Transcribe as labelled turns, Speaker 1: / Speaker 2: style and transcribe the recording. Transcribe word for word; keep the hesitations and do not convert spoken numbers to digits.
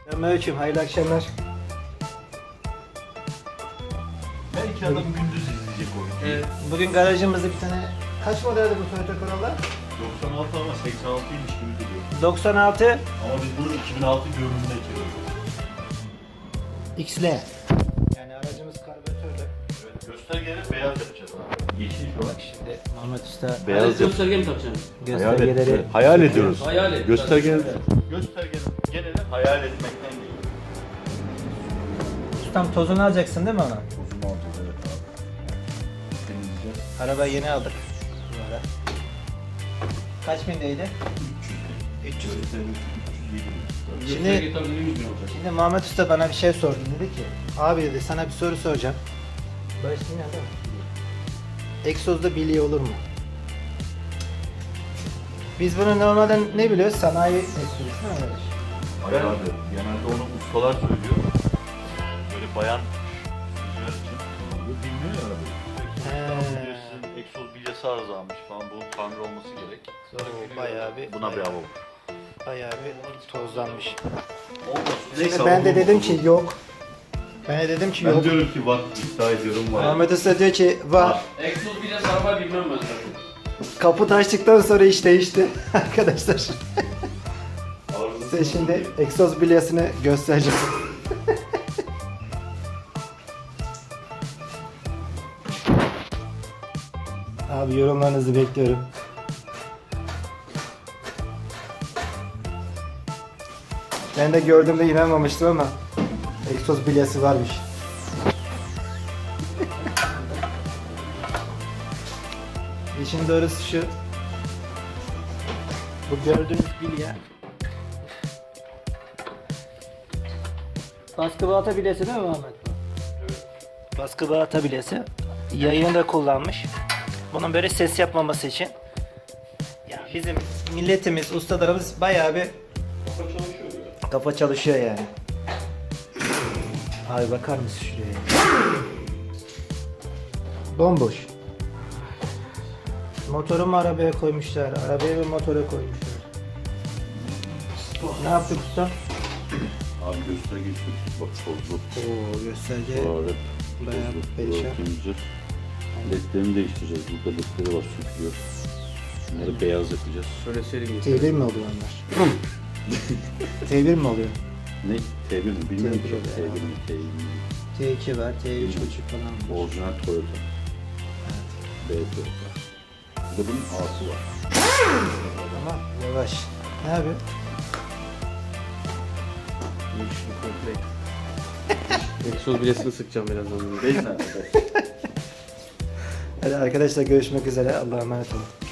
Speaker 1: Selamünaleyküm, hayırlı akşamlar.
Speaker 2: Belki adam gündüz izleyecek o videoyu.
Speaker 1: Ee, bugün garajımızda bir tane, kaç modeldi bu Toyota Corolla?
Speaker 2: doksan altı ama seksen altıymış gibi duruyor.
Speaker 1: doksan altı
Speaker 2: Ama biz bunu iki bin altı görünümüne çeviriyoruz.
Speaker 1: X L. Yani aracımız karbüratörlü.
Speaker 2: Evet, göstergeleri beyaz yapacağız abi. Yeşil şu an.
Speaker 1: Bak şimdi Muhammed Usta
Speaker 2: Beyaz yap.
Speaker 3: gösterge mi takacaksın?
Speaker 1: göstergeleri...
Speaker 2: Hayal ediyoruz.
Speaker 3: Hayal et.
Speaker 2: Gösterge. Göstergenin geneli hayal etmekten geliyor.
Speaker 1: Ustam tozunu alacaksın değil mi ona?
Speaker 2: Uzun alacağız evet abi. Temizleyeceğiz.
Speaker 1: Arabayı yeni aldık. Bu ara. Kaç bindeydi? üç yüz. Şimdi-
Speaker 3: Gösterge tabii yüz bin olacak.
Speaker 1: Şimdi Muhammed Usta bana bir şey sordu. Dedi ki, abi dedi sana bir soru soracağım. Başlayayım ya değil mi? Egzozda bilye olur mu? Biz bunu normalde ne biliyoruz? Sanayi egzozu değil mi arkadaş?
Speaker 2: Hayır abi. Genelde onu ustalar söylüyor. Böyle bayan rüzgar için. Bu bilmiyor ya abi.
Speaker 1: He.
Speaker 2: Sizin egzoz bilyası arızalanmış falan. Bunun tamir olması gerek.
Speaker 1: Oo, bayağı bir,
Speaker 2: Buna bir hava vur.
Speaker 1: bayağı bir tozlanmış.
Speaker 2: Olmaz.
Speaker 1: Şimdi ben de dedim ki yok. Ben de dedim ki
Speaker 2: Ben
Speaker 1: yok.
Speaker 2: diyorum ki var, iddia ediyorum var.
Speaker 1: Muhammed Usta diyor ki var.
Speaker 3: Egzoz bile sarma bilmem ben zaten.
Speaker 1: Kaput açtıktan sonra iş değişti arkadaşlar.
Speaker 2: Arızası
Speaker 1: Size şimdi egzoz bilyasını göstereceğim. Abi yorumlarınızı bekliyorum. Ben de gördüğümde inanmamıştım ama egzoz bilyası varmış. İşin doğrusu şu. Bu gördüğünüz bilye baskı balata bilyesi değil mi Muhammed?
Speaker 2: Evet.
Speaker 1: Baskı balata bilyesi. Yayını da kullanmış. Bunun böyle ses yapmaması için. Ya bizim milletimiz, ustalarımız bayağı bir
Speaker 2: Kafa çalışıyor ya.
Speaker 1: kafa çalışıyor yani. Abi bakar mısın şuraya? Bomboş. Motoru mu arabaya koymuşlar? Arabaya ve motora koymuşlar. Ne yaptık usta?
Speaker 2: Abi gösterge şu. Bak tozlu.
Speaker 1: Oo gösterge.
Speaker 2: Evet.
Speaker 1: Bayağı perişan.
Speaker 2: Temizleyeceğiz. Ledlerini değiştireceğiz. Burada ledleri var sökülüyor. Bunları beyaz yapacağız.
Speaker 3: Şöyle seri
Speaker 1: T bir mi oluyor onlar? T bir mi oluyor?
Speaker 2: Ne? T bir mi? Bilmiyorum
Speaker 1: T bir
Speaker 2: ki.
Speaker 1: oluyor.
Speaker 2: T bir mi? T bir mi?
Speaker 1: T iki var, T üç buçuk falan var.
Speaker 2: Orijinal Toyota. B Toyota. Bir de bunun A'sı var.
Speaker 1: Ama yavaş. Ne yapıyor?
Speaker 3: Egzoz bilesini sıkacağım birazdan.
Speaker 2: Değil mi arkadaşlar?
Speaker 1: Hadi arkadaşlar görüşmek üzere. Allah'a emanet olun.